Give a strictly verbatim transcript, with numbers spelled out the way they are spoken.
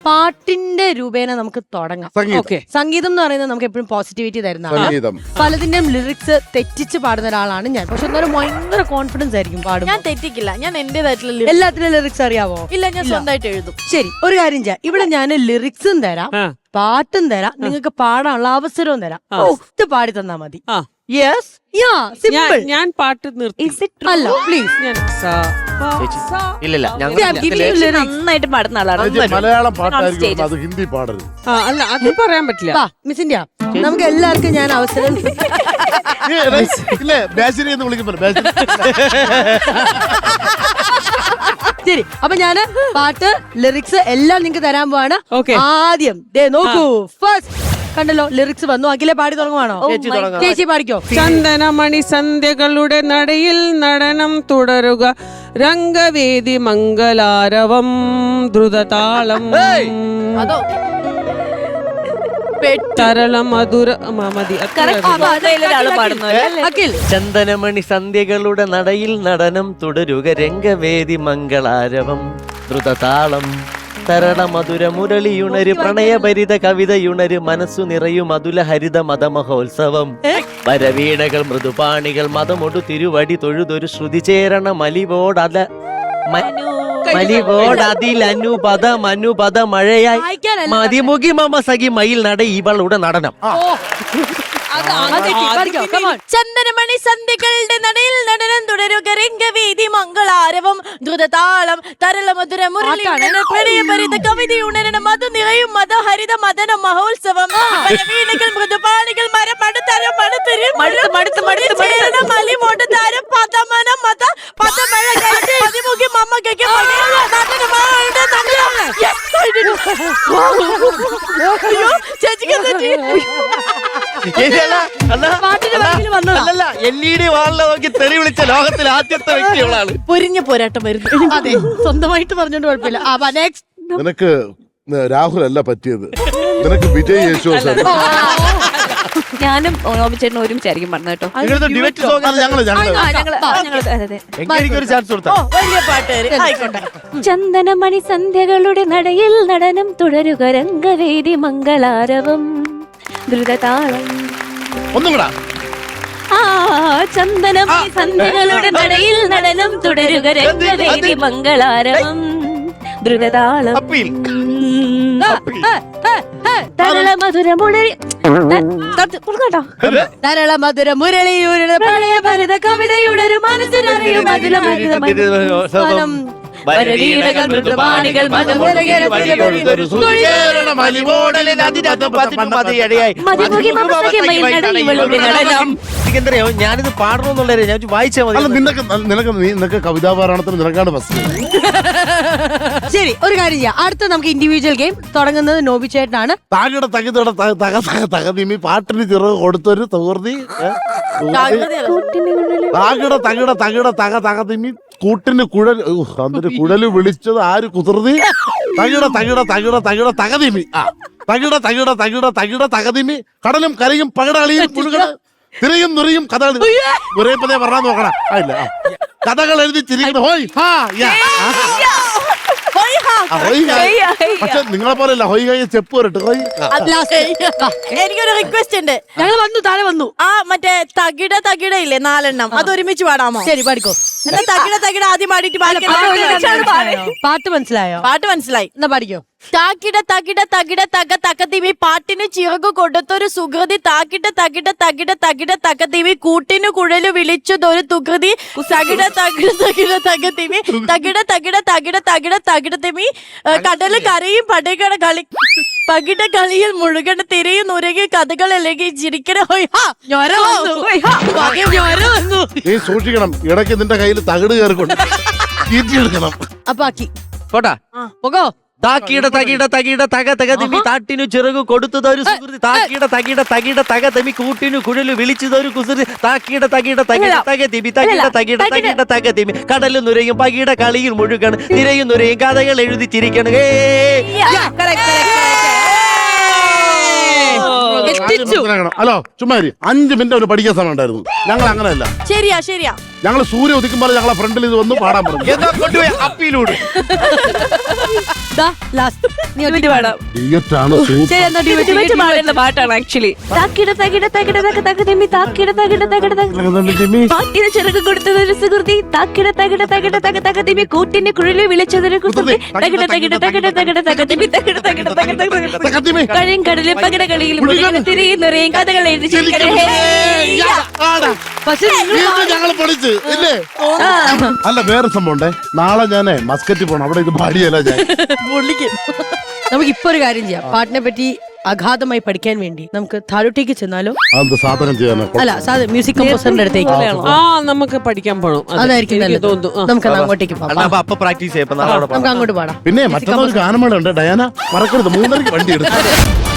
പാട്ടിന്റെ രൂപേണ നമുക്ക് തുടങ്ങാം. സംഗീതം എന്ന് പറയുന്നത് നമുക്ക് എപ്പോഴും പോസിറ്റിവിറ്റി തരുന്നതാണ്. പലതിന്റെയും ലിറിക്സ് തെറ്റിച്ച് പാടുന്ന ഒരാളാണ് ഞാൻ. പക്ഷെ എന്നാലും ഭയങ്കര കോൺഫിഡൻസ് ആയിരിക്കും പാടും. ഞാൻ തെറ്റിക്കില്ല, ഞാൻ എന്റേതായിട്ടുള്ള എല്ലാത്തിനും ലിറിക്സ് അറിയാവോ? ഇല്ല, ഞാൻ സ്വന്തമായിട്ട് എഴുതും. ശരി, ഒരു കാര്യം ചെയ്യാം. ഇവിടെ ഞാൻ ലിറിക്സും തരാം, പാട്ടും തരാം, നിങ്ങൾക്ക് പാടാനുള്ള അവസരവും തരാം. ഒത്ത് പാടി തന്നാ മതി. Yes, ya, simple. ഞാൻ പാട്ട് നിർത്തി അല്ല, പ്ലീസ്. ഇല്ല, നന്നായിട്ട് പാടുന്ന ആളാണ്. മലയാളം പാട്ടായിരിക്കും, അത് ഹിന്ദി പാടരുത്. അല്ല, അത് പറയാൻ പറ്റില്ല. മിസ് ഇന്ത്യ, നമുക്ക് എല്ലാവർക്കും ഞാൻ അവസരം. ശരി, അപ്പൊ ഞാന് പാട്ട്, ലിറിക്സ് എല്ലാം നിങ്ങൾക്ക് തരാൻ പോവാണ്. ആദ്യം ദേ നോക്കൂ, ഫസ്റ്റ് കണ്ടല്ലോ ലിറിക്സ് വന്നു. അഖിലെ പാടി തുടങ്ങുവാണോ? ചേച്ചി പാടിക്കോ. ചന്ദനമണി സന്ധ്യകളുടെ നടയിൽ നടനം തുടരുക, രംഗവേദി മംഗലാരവം ദ്രുതതാളം, തരള മധുര മതി. ചന്ദനമണി സന്ധ്യകളുടെ നടയിൽ നടനം തുടരുക, രംഗവേദി മംഗളാരവം ദ്രുതതാളം, തരള മധുര മുരളിയുണര്, പ്രണയഭരിത കവിതയുണര്, മനസ്സു നിറയും അതുല ഹരിത മതമഹോത്സവം, വരവീണകൾ മൃദുപാണികൾ മതമൊടു തിരുവടി തൊഴുതൊരു ശ്രുതി ചേരണ മലിവോടല മലിവോടതിലനുപദ മനുപദ മഴയായി മതിമുഖി മമ സഖി മയിൽ നട ഇവളുടെ നടനം. ചന്ദനമണി സന്ധ്യകളുടെ നടയിൽ നടനം തുടരുക, രംഗവേദി മംഗളാരവം ദ്രുതതാളം, തരള മധുര മുരളി പ്രണയഭരിത കവിതയുണരണ മധു നിറയും മതഹരിത മദന മഹോത്സവം, വീണകൾ മൃദുപാണികൾ മരം മടുത്തരം മടുത്തരും മലിമോട്ട് താരം പദമന മത പദമഴ പതിമുഖി മമ്മയ്ക്ക് എൽ ഇ ഡി വാളിലെ നോക്കി തെറി വിളിച്ച ലോകത്തിലെ ആദ്യത്തെ വ്യക്തികളാണ്. പൊരിഞ്ഞ പോരാട്ടം വരുന്നു. അതെ, സ്വന്തമായിട്ട് പറഞ്ഞോണ്ട് കുഴപ്പമില്ല. നിനക്ക് രാഹുൽ അല്ല പറ്റിയത്, നിനക്ക് വിജയ് യേശുദാസ്. ഞാനും ഓമിച്ചേട്ടനും ഒരുമിച്ചായിരിക്കും പറഞ്ഞത് കേട്ടോ. ചന്ദനമണി സന്ധ്യകളുടെ നടയിൽ നടനം തുടരുക, രംഗവേദി മംഗളാരവം ദ്രുതതാളം. ഒന്നുകൂടാ. ആ ചന്ദനമണി സന്ധ്യകളുടെ നടയിൽ നടനം തുടരുക, രംഗവേദി മംഗളാരവം ദ്രുതതാളം, തരള മധുര മുരളി തരള മധുര മുരളി പ്രണയഭരിത കവിതയുടെ മനസ്സിനറിയും അതില വരവീണകൾ മൃദുപാണികൾ ഞാനിത് പാടണമെന്നുള്ളവരെ ഞാൻ വായിച്ചാൽ മതി. നിനക്ക് നിനക്ക് നിനക്ക് കവിതാ പാരായണത്തിന് നിനക്കാണ് ഫസ്റ്റ്. ശരി, ഒരു കാര്യം ചെയ്യാം. അടുത്ത നമുക്ക് ഇൻഡിവിജ്വൽ ഗെയിം തുടങ്ങുന്നത് നോബി ചേട്ടനാണ്. താഴെ തകിതയുടെ തക തക തകതിമി പാട്ടിന് ചിറക് കൊടുത്തൊരു തകർത്തി, താകിട തകിട തകിട തക തകതിമി കൂട്ടിന് കുഴൽ, അതിന് കുഴല് വിളിച്ചത് ആര് കുതിർത്തി, തകിട തകിട തകിട തകിട തകതിമി, ആ തകിട തകിട തകിട തകിട തകതിമി, കടലും കരയും പകടളിയും പുഴുകട തിരയും നുറിയും കഥകൾ ഒരേ പതേ പറഞ്ഞാൽ നോക്കണം. ഇല്ല, കഥകൾ എഴുതി ചിരിക്കുന്നു. ഹോയ് ഹാ യാ, പക്ഷെ നിങ്ങളെ പോലെയല്ല ഹോയ് ഹോയ് ചെപ്പ് വരട്ടെ. ഹോയ്. എനിക്കൊരു റിക്വസ്റ്റ് ഉണ്ട്. ഞങ്ങൾ വന്നു, താഴെ വന്നു. ആ മറ്റേ തകിട തകിട ഇല്ലേ നാലെണ്ണം, അത് ഒരുമിച്ച് പാടാമോ? ശരി, പാടിക്കോ. എന്നാ തകിട തകിട ആദ്യം പാടിയിട്ട് പാട്ട് മനസ്സിലായോ? പാട്ട് മനസ്സിലായി, എന്നാ പാടിക്കോ. താക്കിട തകിട തകിട തക തകതിമി, പാട്ടിന് ചിറകു കൊടുത്തൊരു സുഹൃതി, താക്കിട തകിട തകിട തകിട തകതിമി, കൂട്ടിനു കുഴലു വിളിച്ചതൊരു തുകൃതി, തകിട തകിട തകിട തകതിമി, തകിട തകിട തകിട തകിട തകിടതിമി, കടല് കരയും പടകട കളി പകിട കളിയിൽ മുഴുകണ തിരയും നുരകി കഥകൾ അല്ലെങ്കിൽ ചിരിക്കണ. നീ സൂക്ഷിക്കണം, ഇടയ്ക്ക് നിന്റെ കയ്യിൽ തകിട് കയറിക്കൊണ്ട് തീറ്റിയെടുക്കണം. അപ്പൊ ആക്കി പോട്ടാ പോകോ. താക്കിട തകിട തകിട തക തകതിമി, താട്ടിനു ചിറകു കൊടുത്തതൊരു സുഹൃതി, താക്കിട തകിട തകിട തകതമി, കൂട്ടിനു കുഴലു വിളിച്ചതൊരു കുസൃതി, താക്കിട തകിട തകിട തകതിമി, തകിട തകിട തകിട തകതിമി, കടലും നുരയും പകിട കളിയിൽ മുഴുകണം, തിരയും നുരയും കഥകൾ എഴുതി ചിരിക്കണം. മനസ്സിലാക്കണം. ഹലോ ചുമ്മാരി അഞ്ച് മിനിറ്റ് അവന് പഠിക്കാൻ സമയം ഉണ്ടായിരുന്നു. ഞങ്ങൾ അങ്ങനെയല്ല, ശരിയാ ശരിയാ ഞങ്ങൾ സൂര്യ ഉദിക്കുമ്പോൾ ഞങ്ങളെ ഫ്രണ്ടിൽ ഇത് വന്ന് പാടാൻ പറഞ്ഞു. എന്നാ കൊണ്ടുപോയി അപ്പീലൂടെ ദാ, last. നീ ഒറ്റയ്ക്ക് പാടാം. ഡ്യുവറ്റാണ് ശരി, എന്നാ duet, ഇവറ്റ് duet, പാടുന്ന പാട്ടാണ് ആക്ച്വലി. താക്കിട തകിട തകിട തക തക തിമ്മി താക്കിട തകിട തകിട തക പാട്ടിന് ചിറക് കൊടുത്തതൊരു സുഹൃതി താക്കിട തകിട തകിട തക തക തിമ്മി കൂട്ടിന് കുഴലി വിളിച്ചതൊരു കുസൃതി തകിട തകിട തകിട തകിട തക തിമ്മി തകിട തകിട തകിട തകിട കഴിയും കടലിൽ പകിട കളിയിൽ മുഴുകൻ തിരിയുന്നൊരേയും കഥകൾ എഴുതി ചിരിക്കണേ. പക്ഷെ നിങ്ങൾ ഞങ്ങൾ പഠിച്ച് ഇല്ലേ? അല്ല വേറെ സംഭവം ഉണ്ടേ. നാളെ ഞാനേ മസ്കറ്റ് പോണം. അവിടെ ഇത് പാടിയല്ല ഞാൻ. നമുക്ക് ഇപ്പൊ ഒരു കാര്യം ചെയ്യാം. പാട്ടിനെ പറ്റി അഗാധമായി പഠിക്കാൻ വേണ്ടി നമുക്ക് താഴോട്ടേക്ക് ചെന്നാലോ? അത് സാധനം ചെയ്യാനോ? അല്ല, സാധ മ്യൂസിക് കമ്പോസറിന്റെ അടുത്തേക്ക് ആ നമുക്ക് പഠിക്കാൻ പോണം. അതെ, അതായിരിക്കും എനിക്ക് നല്ലത്. തോന്നുന്നു. ആ. നമുക്ക് അങ്ങോട്ടേക്ക് പോകാം. അണ്ണാ, അപ്പൊ അപ്പൊ പ്രാക്ടീസ് ചെയ്യപ്പോ നാളെ അവിടെ നമുക്ക് അങ്ങോട്ട് പാടാം. പിന്നെ മറ്റൊരു ഗാനമേള ഉണ്ട് ഡയാന, മറക്കരുത്. മൂന്നരക്ക് വണ്ടി എടുത്തു.